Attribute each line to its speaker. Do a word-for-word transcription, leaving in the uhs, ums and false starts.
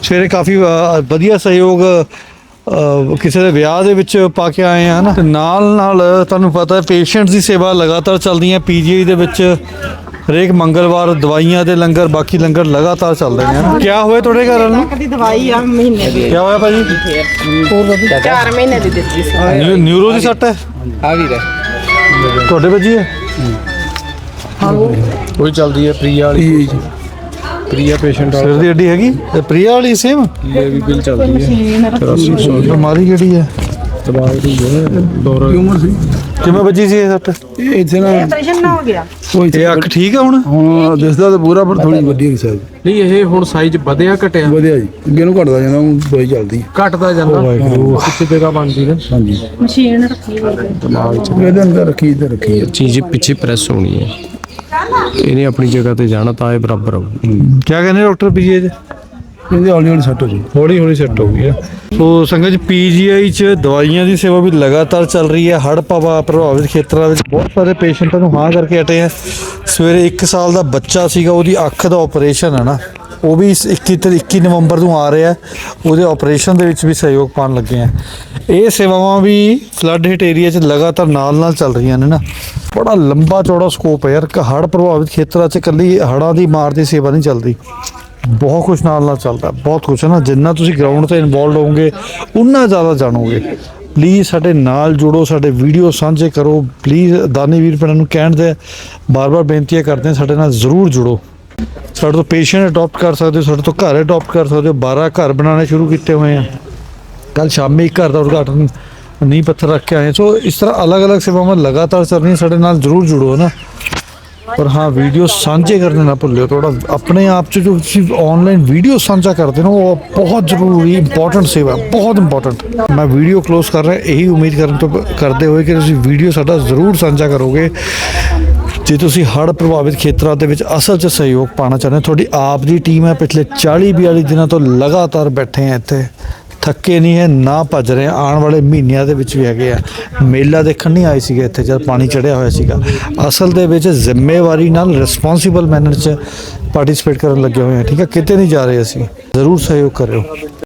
Speaker 1: ਸਵੇਰੇ ਕਾਫੀ ਵਧੀਆ ਸਹਿਯੋਗ ਕਿਸੇ ਦੇ ਵਿਆਹ ਦੇ ਵਿੱਚ ਪਾ ਕੇ ਆਏ ਆ ਨਾ। ਨਾਲ ਨਾਲ ਤੁਹਾਨੂੰ ਪਤਾ ਪੇਸ਼ੈਂਟਸ ਦੀ ਸੇਵਾ ਲਗਾਤਾਰ ਚੱਲਦੀ ਹੈ ਪੀਜੀਆਈ ਦੇ ਵਿੱਚ। ਹਰੇਕ ਮੰਗਲਵਾਰ ਦਵਾਈਆਂ ਦੇ ਲੰਗਰ, ਬਾਕੀ ਲੰਗਰ ਲਗਾਤਾਰ ਚੱਲਦੇ ਨੇ ਨਾ। ਕਿਆ ਹੋਇਆ ਤੁਹਾਡੇ ਘਰ ਨੂੰ?
Speaker 2: ਦੀ ਦਵਾਈ ਆ ਮਹੀਨੇ ਦੀ।
Speaker 1: ਕਿਆ ਹੋਇਆ ਭਾਜੀ?
Speaker 2: ਚਾਰ ਮਹੀਨੇ ਦੀ ਦਿੱਤੀ ਸੀ।
Speaker 1: ਨਿਊ- ਨਿਊਰੋ ਦੀ ਸੱਟ ਹੈ
Speaker 3: ਆ ਵੀ
Speaker 1: ਤੁਹਾਡੇ ਵੱਜੀ ਹੈ?
Speaker 3: ਕੋਈ ਚੱਲਦੀ ਹੈ ਪ੍ਰਿਆ ਵਾਲੀ, ਪ੍ਰਿਆ ਪੇਸ਼ੈਂਟ
Speaker 1: ਸਿਰ ਦੀ ਹੱਡੀ ਹੈਗੀ ਪ੍ਰਿਆ ਵਾਲੀ ਸੇਮ
Speaker 3: ਇਹ ਵੀ ਬਿਲ ਚੱਲਦੀ ਹੈ ਚੁਰਾਸੀ ਸੌ
Speaker 1: ਬਿਮਾਰੀ ਕਿਹੜੀ ਹੈ?
Speaker 3: ਦਬਾਅ ਦੀ ਹੈ ਦੌਰਾ ਉਮਰ ਸੀ।
Speaker 1: ਕਿਵੇਂ ਵੱਜੀ ਸੀ ਇਹ ਸੱਟ?
Speaker 3: ਇਹ ਇੱਥੇ ਨਾ
Speaker 2: ਆਪਰੇਸ਼ਨ ਨਾ ਹੋ ਗਿਆ।
Speaker 1: ਇਹ ਅੱਖ ਠੀਕ ਹੈ ਹੁਣ?
Speaker 3: ਹੁਣ ਦਿਸਦਾ ਤਾਂ ਪੂਰਾ, ਪਰ ਥੋੜੀ ਵੱਡੀ ਹੈ ਸਾਈਜ਼।
Speaker 4: ਨਹੀਂ ਇਹ ਹੁਣ ਸਾਈਜ਼ ਵਧਿਆ ਘਟਿਆ?
Speaker 3: ਵਧੀਆ ਜੀ, ਅੱਗੇ ਨੂੰ ਘਟਦਾ ਜਾਂਦਾ, ਹੁਣ ਦਵਾਈ ਚੱਲਦੀ ਹੈ।
Speaker 4: ਘਟਦਾ ਜਾਂਦਾ ਕਿੱਥੇ ਜਗ੍ਹਾ ਬਣਦੀ ਨਾ।
Speaker 3: ਹਾਂਜੀ
Speaker 2: ਮਸ਼ੀਨ ਰੱਖੀ ਹੋਈ ਹੈ।
Speaker 3: ਦਿਮਾਗ 'ਚ ਇਹਦੇ ਅੰਦਰ ਰੱਖੀ ਤੇ ਰੱਖੀ ਹੈ
Speaker 4: ਚੀਜ਼ ਪਿੱਛੇ ਪ੍ਰੈਸ ਹੋਣੀ ਹੈ, ਇਹਨੇ ਆਪਣੀ ਜਗ੍ਹਾ ਤੇ ਜਾਣਾ ਤਾਂ ਇਹ ਬਰਾਬਰ ਆਊ।
Speaker 1: ਕਿਆ ਕਹਿੰਦੇ ਡਾਕਟਰ ਪੀਜੀਆਈ ਦੇ?
Speaker 3: ਇਹਦੇ ਹੌਲੀ ਹੌਲੀ ਸੈੱਟ ਹੋ ਜੀ,
Speaker 1: ਹੌਲੀ ਹੌਲੀ ਸੈੱਟ ਹੋ ਗਈ ਹੈ। ਸੋ ਸੰਗਤ ਪੀਜੀਆਈ 'ਚ ਦਵਾਈਆਂ ਦੀ ਸੇਵਾ ਵੀ ਲਗਾਤਾਰ ਚੱਲ ਰਹੀ ਹੈ। ਹੜ੍ਹ ਪਵਾ ਪ੍ਰਭਾਵਿਤ ਖੇਤਰਾਂ ਵਿੱਚ ਬਹੁਤ ਸਾਰੇ ਪੇਸ਼ੈਂਟਾਂ ਨੂੰ ਹਾਂ ਕਰਕੇ ਹਟੇ ਆ। ਸਵੇਰੇ ਇੱਕ ਸਾਲ ਦਾ ਬੱਚਾ ਸੀਗਾ, ਉਹਦੀ ਅੱਖ ਦਾ ਆਪਰੇਸ਼ਨ ਹੈ ਨਾ, ਉਹ ਵੀ ਇੱਕੀ ਤੇ ਇੱਕੀ ਨਵੰਬਰ ਨੂੰ ਆ ਰਿਹਾ। ਉਹਦੇ ਆਪਰੇਸ਼ਨ ਦੇ ਵਿੱਚ ਵੀ ਸਹਿਯੋਗ ਪਾਉਣ ਲੱਗੇ ਆ। ਇਹ ਸੇਵਾਵਾਂ ਵੀ ਫਲੱਡ ਹਿੱਟ ਏਰੀਆ 'ਚ ਲਗਾਤਾਰ ਨਾਲ ਨਾਲ ਚੱਲ ਰਹੀਆਂ ਨੇ ਨਾ। ਬੜਾ ਲੰਬਾ ਚੌੜਾ ਸਕੋਪ ਹੈ ਯਾਰ। ਹੜ੍ਹ ਪ੍ਰਭਾਵਿਤ ਖੇਤਰਾਂ 'ਚ ਇਕੱਲੀ ਹੜ੍ਹਾਂ ਦੀ ਮਾਰ ਦੀ ਸੇਵਾ ਨਹੀਂ ਚੱਲਦੀ, ਬਹੁਤ ਕੁਛ ਨਾਲ ਨਾਲ ਚੱਲਦਾ, ਬਹੁਤ ਕੁਛ ਹੈ ਨਾ। ਜਿੰਨਾ ਤੁਸੀਂ ਗਰਾਊਂਡ 'ਤੇ ਇਨਵੋਲਵ ਹੋਵੋਗੇ ਉਨਾ ਜ਼ਿਆਦਾ ਜਾਣੋਗੇ। ਪਲੀਜ਼ ਸਾਡੇ ਨਾਲ ਜੁੜੋ, ਸਾਡੇ ਵੀਡੀਓ ਸਾਂਝੇ ਕਰੋ। ਪਲੀਜ਼ ਦਾਨੀ ਵੀਰ ਭੈਣਾਂ ਨੂੰ ਕਹਿਣ ਦੇ ਬਾਰ-ਬਾਰ ਬੇਨਤੀਆਂ ਕਰਦੇ ਹਾਂ, ਸਾਡੇ ਨਾਲ ਜ਼ਰੂਰ ਜੁੜੋ। ਸਾਡੇ ਤੋਂ ਪੇਸ਼ੈਂਟ ਅਡਾਪਟ ਕਰ ਸਕਦੇ ਹੋ, ਸਾਡੇ ਤੋਂ ਘਰ ਅਡਾਪਟ ਕਰ ਸਕਦੇ ਹੋ। ਬਾਰਾਂ ਘਰ ਬਣਾਉਣੇ ਸ਼ੁਰੂ ਕੀਤੇ ਹੋਏ ਆ। ਕੱਲ੍ਹ ਸ਼ਾਮੀ ਇੱਕ ਘਰ ਦਾ ਉਦਘਾਟਨ ਨੀਂਹ ਪੱਥਰ ਰੱਖ ਕੇ ਆਏ। ਸੋ ਇਸ ਤਰ੍ਹਾਂ ਅਲੱਗ-ਅਲੱਗ ਸੇਵਾਵਾਂ ਲਗਾਤਾਰ ਚੱਲ ਰਹੀਆਂ, ਸਾਡੇ ਨਾਲ ਜ਼ਰੂਰ ਜੁੜੋ ਨਾ। ਪਰ ਹਾਂ, ਵੀਡੀਓ ਸਾਂਝੇ ਕਰਨੇ ਨਾ ਭੁੱਲਿਓ। ਥੋੜਾ ਆਪਣੇ ਆਪ 'ਚ ਜੋ ਤੁਸੀਂ ਆਨਲਾਈਨ ਵੀਡੀਓ ਸਾਂਝਾ ਕਰਦੇ ਹੋ ਉਹ ਬਹੁਤ ਜ਼ਰੂਰੀ ਇੰਪੋਰਟੈਂਟ ਸੇਵਾ, ਬਹੁਤ ਇੰਪੋਰਟੈਂਟ। ਮੈਂ ਵੀਡੀਓ ਕਲੋਜ਼ ਕਰ ਰਿਹਾ ਇਹੀ ਉਮੀਦ ਕਰਨ ਤੋਂ ਕਰਦੇ ਹੋਏ ਕਿ ਤੁਸੀਂ ਵੀਡੀਓ ਸਾਡਾ ਜ਼ਰੂਰ ਸਾਂਝਾ ਕਰੋਗੇ। ਜੇ ਤੁਸੀਂ ਹੜ੍ਹ ਪ੍ਰਭਾਵਿਤ ਖੇਤਰਾਂ ਦੇ ਵਿੱਚ ਅਸਲ 'ਚ ਸਹਿਯੋਗ ਪਾਉਣਾ ਚਾਹੁੰਦੇ ਹੋ, ਤੁਹਾਡੀ ਆਪ ਦੀ ਟੀਮ ਹੈ ਪਿਛਲੇ ਚਾਲੀ ਬਿਆਲੀ ਦਿਨਾਂ ਤੋਂ ਲਗਾਤਾਰ ਬੈਠੇ ਆ ਇੱਥੇ, ਥੱਕੇ ਨਹੀਂ ਹੈ ਨਾ ਭੱਜ ਰਹੇ। ਆਉਣ ਵਾਲੇ ਮਹੀਨਿਆਂ ਦੇ ਵਿੱਚ ਵੀ ਹੈਗੇ ਆ। ਮੇਲਾ ਦੇਖਣ ਨਹੀਂ ਆਏ ਸੀਗੇ ਇੱਥੇ ਜਦ ਪਾਣੀ ਚੜ੍ਹਿਆ ਹੋਇਆ ਸੀਗਾ। ਅਸਲ ਦੇ ਵਿੱਚ ਜ਼ਿੰਮੇਵਾਰੀ ਨਾਲ ਰਿਸਪੌਂਸੀਬਲ ਮੈਨਰ 'ਚ ਪਾਰਟੀਸਪੇਟ ਕਰਨ ਲੱਗੇ ਹੋਏ ਆ। ਠੀਕ ਹੈ, ਕਿਤੇ ਨਹੀਂ ਜਾ ਰਹੇ ਅਸੀਂ। ਜ਼ਰੂਰ ਸਹਿਯੋਗ ਕਰਿਓ।